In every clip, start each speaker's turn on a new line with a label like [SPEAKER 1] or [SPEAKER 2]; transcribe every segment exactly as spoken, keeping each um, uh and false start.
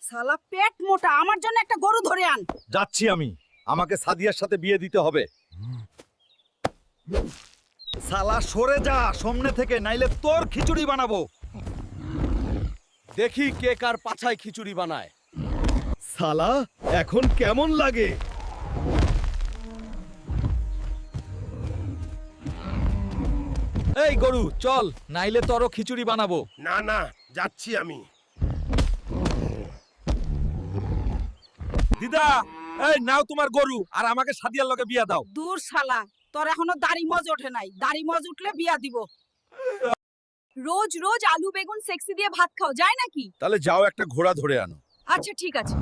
[SPEAKER 1] শালা পেট মোটা, আমার জন্য একটা গরু ধরে আন।
[SPEAKER 2] যাচ্ছি আমি, আমাকে সাদিয়ার সাথে বিয়ে দিতে হবে। শালা সরে যা সামনে থেকে, নাইলে তোর খিচুড়ি বানাবো।
[SPEAKER 3] দেখি কে কার পাছায় খিচুড়ি বানায়।
[SPEAKER 2] শালা এখন কেমন লাগে? এই গরু চল, নাইলে তোরও খিচুড়ি বানাবো।
[SPEAKER 3] না না, যাচ্ছি আমি।
[SPEAKER 2] দিদা, এই নাও তোমার গরু, আর আমাকে সাদিয়ার লগে বিয়া দাও।
[SPEAKER 1] দূর শালা, তোর এখনো দাড়ি মজ ওঠে নাই। দাড়ি মজ উঠলে বিয়া দিব। রোজ রোজ আলু বেগুন সেক্সি দিয়ে ভাত খাও যায় নাকি?
[SPEAKER 2] তাহলে যাও একটা ঘোড়া ধরে আনো।
[SPEAKER 1] আচ্ছা ঠিক আছে।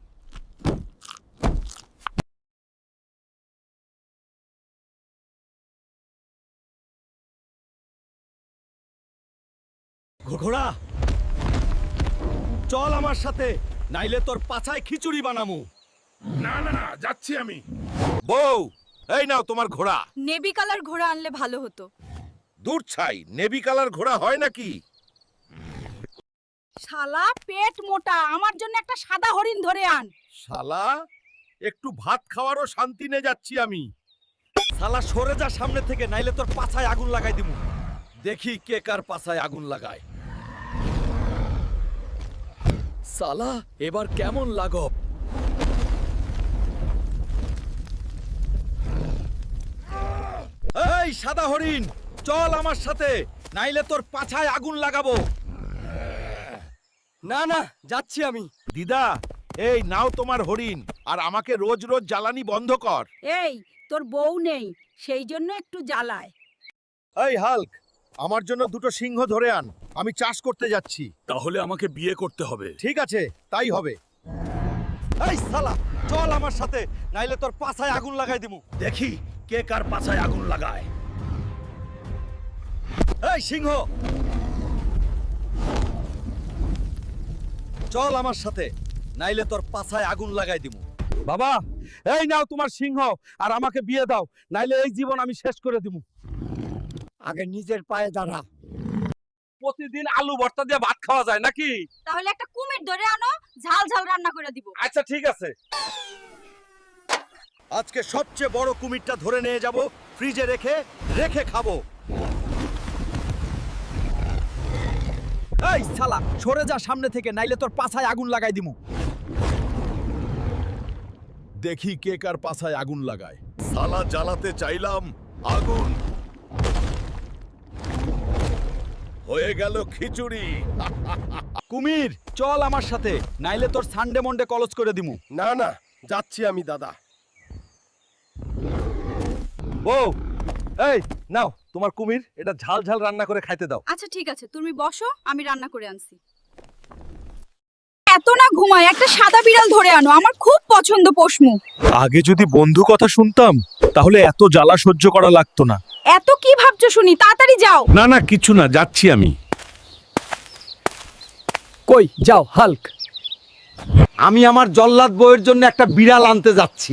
[SPEAKER 2] ঘোড়া চল আমার সাথে, নাইলে তোর পাছায় খিচুড়ি বানামু।
[SPEAKER 3] না না, যাচ্ছি আমি।
[SPEAKER 2] বউ, এই নাও তোমার ঘোড়া।
[SPEAKER 1] নেভি কালার ঘোড়া আনলে ভালো হতো।
[SPEAKER 2] দূর ছাই, নেভি কালার ঘোড়া হয় নাকি?
[SPEAKER 1] শালা পেট মোটা, আমার জন্য একটা সাদা হরিণ ধরে আন।
[SPEAKER 2] শালা একটু ভাত খাওয়ারও শান্তি নে যাচ্ছি আমি। শালা সরে যা সামনে থেকে, নাইলে তোর পাছায় আগুন লাগাই দিমু। দেখি কে কার পাছায় আগুন লাগায়। শালা এবার কেমন লাগব? এই সাদা হরিণ, চল আমার সাথে, নাইলে তোর পাছায় আগুন লাগাবো।
[SPEAKER 3] না না, যাচ্ছি আমি।
[SPEAKER 2] দিদা, এই নাও তোমার হরিণ, আর আমাকে রোজ রোজ জ্বালানি বন্ধ কর।
[SPEAKER 1] এই তোর বউ নেই, সেই জন্য একটু জ্বালায়।
[SPEAKER 2] এই হাল্ক, আমার জন্য দুটো সিংহ ধরে আন, আমি চাষ করতে যাচ্ছি।
[SPEAKER 3] তাহলে আমাকে বিয়ে করতে হবে।
[SPEAKER 2] ঠিক আছে, তাই হবে। এই শালা চল আমার সাথে, নাইলে তোর পাছায় আগুন লাগাই দিমু।
[SPEAKER 3] দেখি কে কার পাছায় আগুন লাগায়।
[SPEAKER 2] এই সিংহ, চল আমার সাথে, নাইলে তোর পাছায় আগুন লাগাই দিমু। বাবা, এই নাও তোমার সিংহ, আর আমাকে বিয়ে দাও, নাইলে এই জীবন আমি শেষ করে দিমু।
[SPEAKER 3] আগে নিজের পায়ে দাঁড়া।
[SPEAKER 2] প্রতিদিন আলু ভর্তা দিয়ে ভাত খাওয়া যায় নাকি?
[SPEAKER 1] তাহলে একটা কুমির ধরে আনো, ঝাল ঝাল রান্না করে দিব।
[SPEAKER 2] আচ্ছা ঠিক আছে, আজকে সবচেয়ে বড় কুমিরটা ধরে নিয়ে যাব, ফ্রিজে রেখে রেখে খাবো। এই শালা সরে যা সামনে থেকে, নাইলে তোর পাছায় আগুন লাগাই দিমু। দেখি কে কার পাছায় আগুন লাগায়। শালা জ্বালাতে চাইলাম, আগুন হয়ে গেল খিচুড়ি। কুমির চল আমার সাথে, নাইলে তোর সানডে মন্ডে কলজ করে দিমু।
[SPEAKER 3] না না, যাচ্ছি আমি দাদা।
[SPEAKER 2] ও এই নাও তোমার কুমির, এটা ঝাল ঝাল রান্না করে খাইতে দাও।
[SPEAKER 1] আচ্ছা ঠিক আছে, তুমি বসো, আমি রান্না করে আনছি। এত না ঘুমায়, একটা সাদা বিড়াল ধরে আনো, আমার খুব পছন্দ পশমু।
[SPEAKER 4] আগে যদি বন্ধু কথা শুনতাম, তাহলে এত জ্বালা সহ্য করা লাগতো না।
[SPEAKER 1] এত কি ভাবছো শুনি, তাড়াতাড়ি যাও।
[SPEAKER 4] না না, কিছু না, যাচ্ছি আমি।
[SPEAKER 3] কই যাও হাল্ক? আমি আমার জল্লাদ বউয়ের জন্য একটা বিড়াল আনতে যাচ্ছি।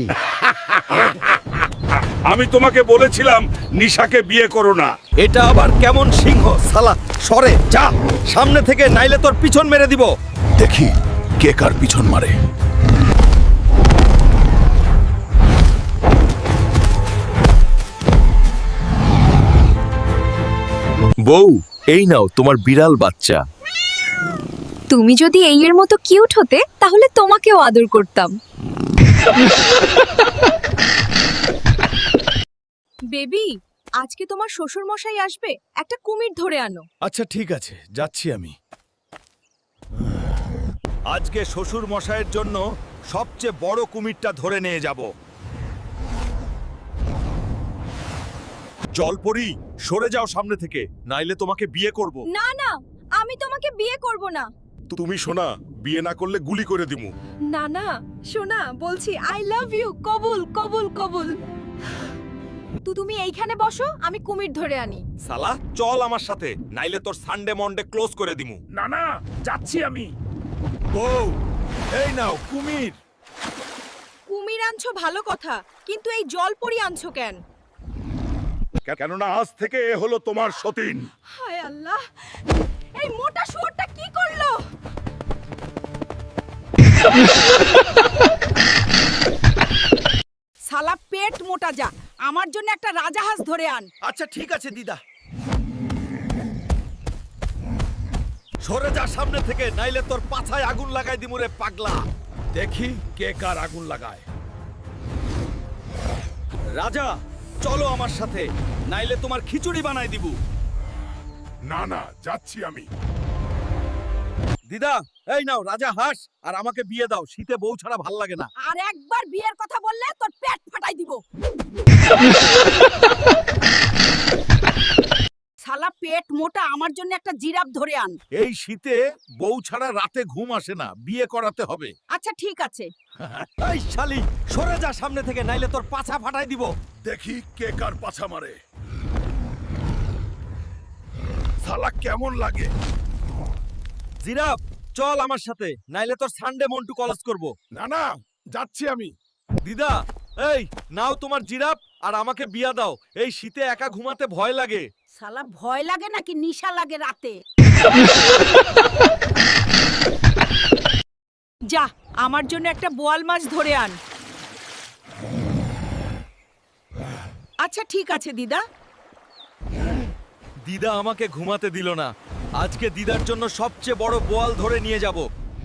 [SPEAKER 4] আমি তোমাকে বলেছিলাম নিশাকে বিয়ে করো না।
[SPEAKER 2] এটা আবার কেমন সিংহ? শালা সরে যা সামনে থেকে, নাইলে তোর পিছন মেরে দিব।
[SPEAKER 4] দেখি কে কার পিছন মারে। বউ, এই নাও তোমার বিড়াল বাচ্চা।
[SPEAKER 5] তুমি যদি এই এর মতো কিউট হতে, তাহলে তোমাকেও আদর করতাম। বেবি, আজকে তোমার শ্বশুর মশাই আসবে, একটা কুমির ধরে আনো।
[SPEAKER 2] আচ্ছা ঠিক আছে, যাচ্ছি আমি। আজকে শ্বশুর মশাইয়ের জন্য সবচেয়ে বড় কুমিরটা ধরে নিয়ে যাব। জলপরি সরে যাও সামনে থেকে, নাইলে তোমাকে বিয়ে করব।
[SPEAKER 5] না না, আমি তোমাকে বিয়ে করব না।
[SPEAKER 4] তুমি শোনা, বিয়ে না করলে গুলি করে দিমু।
[SPEAKER 5] না না সোনা, বলছি আই লাভ ইউ, কবুল কবুল কবুল। তো তুমি এইখানে বসো, আমি কুমির ধরে আনি।
[SPEAKER 2] শালা চল আমার সাথে, নাইলে তোর সানডে মন্ডে ক্লোজ করে দিমু।
[SPEAKER 4] না না, যাচ্ছি আমি।
[SPEAKER 2] বউ, এই নাও কুমির।
[SPEAKER 5] কুমির আনছো ভালো কথা, কিন্তু এই জলপরি আনছো কেন?
[SPEAKER 4] কেননা আজ থেকে এ হলো তোমার সতীন।
[SPEAKER 5] হায় আল্লাহ, এই মোটা শুয়োরটা কি করলো?
[SPEAKER 1] শালা পেট মোটা যা, আমার জন্য একটা রাজাহাঁস ধরে আন।
[SPEAKER 2] আচ্ছা ঠিক আছে দিদা। সরে যা সামনে থেকে, নাইলে তোর পাছায় আগুন লাগাই দিমু রে পাগলা। দেখি কে কার আগুন লাগায়। রাজা চলো আমার সাথে, নাইলে তোমার খিচুড়ি বানাই দিব।
[SPEAKER 6] না না, যাচ্ছি আমি।
[SPEAKER 2] দিদা এই নাও রাজা হাঁস, আর আমাকে বিয়ে দাও, শীতে বউ ছাড়া ভাল লাগে না।
[SPEAKER 1] আর একবার বিয়ের কথা বললে তোর পেট ফাটাই দিব। শালা পেট মোটা, আমার জন্য একটা জিরাফ ধরে আন।
[SPEAKER 2] এই শীতে বউ ছাড়া রাতে ঘুম আসে না, বিয়ে করাতে হবে।
[SPEAKER 1] আচ্ছা ঠিক আছে।
[SPEAKER 2] এই শালি সরে যা সামনে থেকে, নাইলে তোর পাছা ফাটাই দিব।
[SPEAKER 6] দেখি কে কার পাছা মারে। শালা কেমন লাগে?
[SPEAKER 2] জিরাফ চল আমার সাথে, নাইলে তোর সানডে মন্টু কলেজ করব।
[SPEAKER 6] না না, যাচ্ছি আমি।
[SPEAKER 2] দিদা এই নাও তোমার জিরাফ, আর আমাকে বিয়া দাও, এই শীতে একা ঘুমাতে ভয় লাগে।
[SPEAKER 1] শালা ভয় লাগে নাকি নিশা লাগে রাতে? যা আমার জন্য একটা বোয়াল মাছ ধরে আন। আচ্ছা ঠিক আছে দিদা।
[SPEAKER 2] দিদা আমাকে ঘুমাতে দিল না, আজকে দিদার জন্য সবচেয়ে বড় বোয়াল ধরে নিয়ে যাব।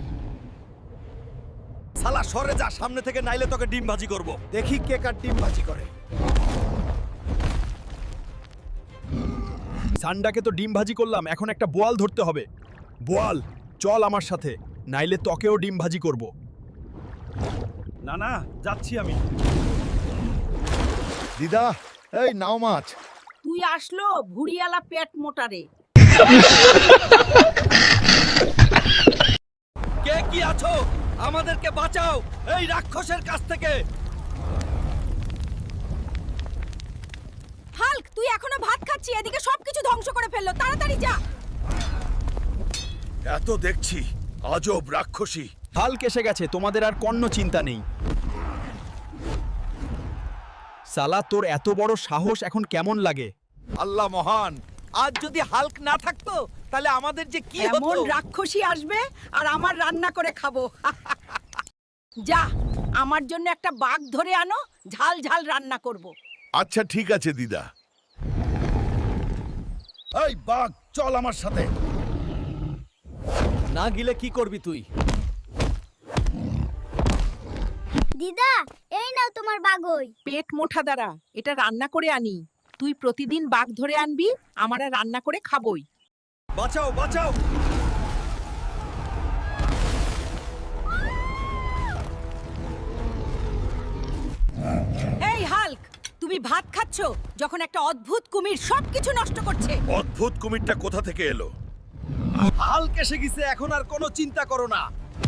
[SPEAKER 2] শালা সরে যা সামনে থেকে, নাইলে তোকে ডিম ভাজি করব।
[SPEAKER 3] দেখি কে কার ডিম ভাজি করে।
[SPEAKER 4] সান্ডাকে তো ডিম ভাজি করলাম, এখন একটা বোয়াল ধরতে হবে। বোয়াল চল আমার সাথে, নাইলে তোকেও ডিম ভাজি করব।
[SPEAKER 2] না না, যাচ্ছি আমি।
[SPEAKER 6] দিদা এই নাও মাছ।
[SPEAKER 1] তুই আসলো ভুড়িয়ালা পেট মোটারে।
[SPEAKER 2] কে কি আছো, আমাদেরকে বাঁচাও এই রাক্ষসের কাছ থেকে।
[SPEAKER 1] হাল্ক তুই এখনো ভাত খাচ্ছি, এদিকে সবকিছু ধ্বংস করে ফেললো, তাড়াতাড়ি যা।
[SPEAKER 6] এত দেখছি আজব রাক্ষসী।
[SPEAKER 4] হাল্ক এসে গেছে, তোমাদের আর কোনো চিন্তা নেই। সালা তোর এত বড় সাহস এখন কেমন লাগে?
[SPEAKER 2] আল্লাহ মহান, আজ যদি হাল্ক না থাকতো তাহলে আমাদের যে কি হতো।
[SPEAKER 1] এমন রাক্ষসী আসবে আর আমার রান্না করে খাবো। যা আমার জন্য একটা বাঘ ধরে আনো, ঝাল ঝাল রান্না করব।
[SPEAKER 6] আচ্ছা ঠিক আছে দিদা। এই বাঘ চল আমার সাথে।
[SPEAKER 2] না গিলে কি করবি তুই?
[SPEAKER 7] দিদা এই নাও তোমার বাগই।
[SPEAKER 1] পেট মোটা দ্বারা এটা রান্না করে আনি। তুই প্রতিদিন বাঘ ধরে আনবি, আমরা রান্না করে খাবই।
[SPEAKER 2] বাঁচাও বাঁচাও।
[SPEAKER 1] এই হাল্ক তুমি ভাত খাচ্ছ যখন একটা অদ্ভুত কুমির সবকিছু নষ্ট করছে।
[SPEAKER 6] অদ্ভুত কুমিরটা কোথা থেকে এলো?
[SPEAKER 2] হাল্ক এসে গেছে, এখন আর কোনো চিন্তা করো না।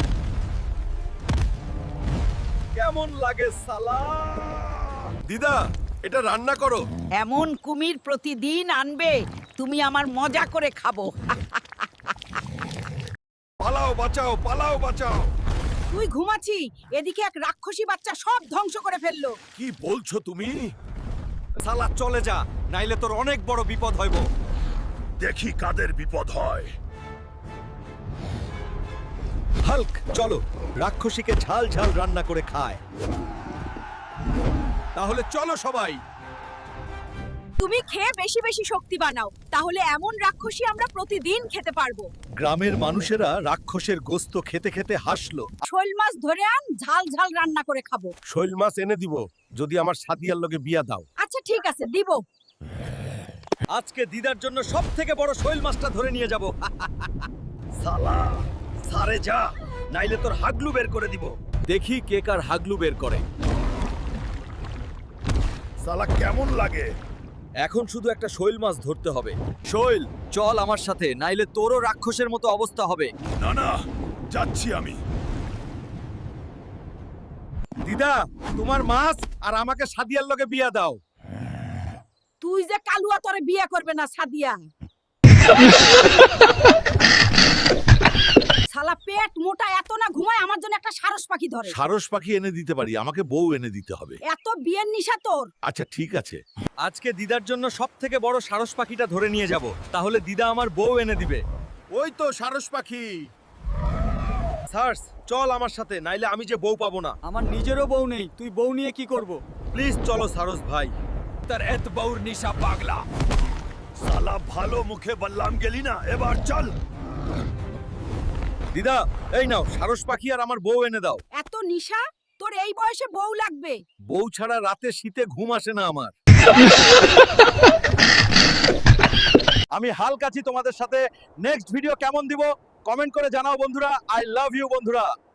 [SPEAKER 2] কেমন লাগে সালা?
[SPEAKER 6] দিদা এটা রান্না করো।
[SPEAKER 1] এমন কুমির প্রতিদিন আনবে, তুমি আমার মজা করে খাবো।
[SPEAKER 6] পালাও বাঁচাও, পালাও বাঁচাও।
[SPEAKER 1] তুই ঘুমাচ্ছি, এদিকে এক রাক্ষসী বাচ্চা সব ধ্বংস করে ফেললো।
[SPEAKER 6] কি বলছো তুমি?
[SPEAKER 2] সালা চলে যা, নাইলে তোর অনেক বড় বিপদ হইব।
[SPEAKER 6] দেখি কাদের বিপদ হয়।
[SPEAKER 2] হাল্ক চলো, রাক্ষসীকে ঝাল ঝাল রান্না করে খায়। তাহলে চলো সবাই।
[SPEAKER 1] তুমি খেয়ে বেশি বেশি শক্তি বানাও, তাহলে এমন রাক্ষসী আমরা প্রতিদিন খেতে পারবো।
[SPEAKER 2] গ্রামের মানুষেরা রাক্ষসের গোস্ত খেতে খেতে হাসলো।
[SPEAKER 1] শোল মাছ ধরে আন, ঝাল ঝাল রান্না করে খাবো।
[SPEAKER 2] শৈল মাছ এনে দিব যদি আমার সাদিয়ার লগে বিয়া দাও।
[SPEAKER 1] আচ্ছা ঠিক আছে দিব।
[SPEAKER 2] আজকে দিদার জন্য সব থেকে বড় শৈল মাছটা ধরে নিয়ে যাব। সালা সারে যা, নাইলে তোর হাগলু বের করে দিব। দেখি কে কার হাগলু বের করে।
[SPEAKER 6] শালা কেমন লাগে?
[SPEAKER 2] এখন শুধু একটা শৈল মাছ ধরতে হবে। শৈল চল আমার সাথে, নাইলে তোরও রাক্ষসের মতো অবস্থা হবে।
[SPEAKER 6] না না, যাচ্ছি আমি।
[SPEAKER 2] দিদা তোমার মাছ আর আমাকে সাদিয়ার লগে বিয়া দাও।
[SPEAKER 1] তুই যে কালুয়া তোরে বিয়ে করবে না সাদিয়া। শালা পেট মোটা, এত না ঘুমায় আমার জন্য একটা সারস পাখি ধরে।
[SPEAKER 6] সারস পাখি এনে দিতে পারি, আমাকে বউ এনে দিতে হবে।
[SPEAKER 1] এত বিয়ের নিশা তোর।
[SPEAKER 6] আচ্ছা ঠিক আছে।
[SPEAKER 2] আজকে দিদার জন্য সব থেকে বড় সারস পাখিটা ধরে নিয়ে যাব, তাহলে দিদা আমার বউ এনে দিবে।
[SPEAKER 6] ওই তো সারস পাখি।
[SPEAKER 2] সার্স চল আমার সাথে, নাইলে আমি যে বউ পাবো না।
[SPEAKER 3] আমার নিজেরও বউ নেই, তুই বউ নিয়ে কি করব?
[SPEAKER 2] প্লিজ চলো সারস ভাই।
[SPEAKER 4] তার এত বউর নিশা পাগলা।
[SPEAKER 6] সালা ভালো মুখে বললাম গেলি না, এবার চল।
[SPEAKER 2] দিদা এই নাও সারস পাখি আর আমার বউ এনে দাও।
[SPEAKER 1] এত নিশা, তোর এই বয়সে বউ লাগবে?
[SPEAKER 2] বউ ছাড়া রাতে শীতে ঘুম আসে না আমার। আমি হালক আছি তোমাদের সাথে। নেক্সট ভিডিও কেমন দিব কমেন্ট করে জানাও বন্ধুরা। আই লাভ ইউ বন্ধুরা।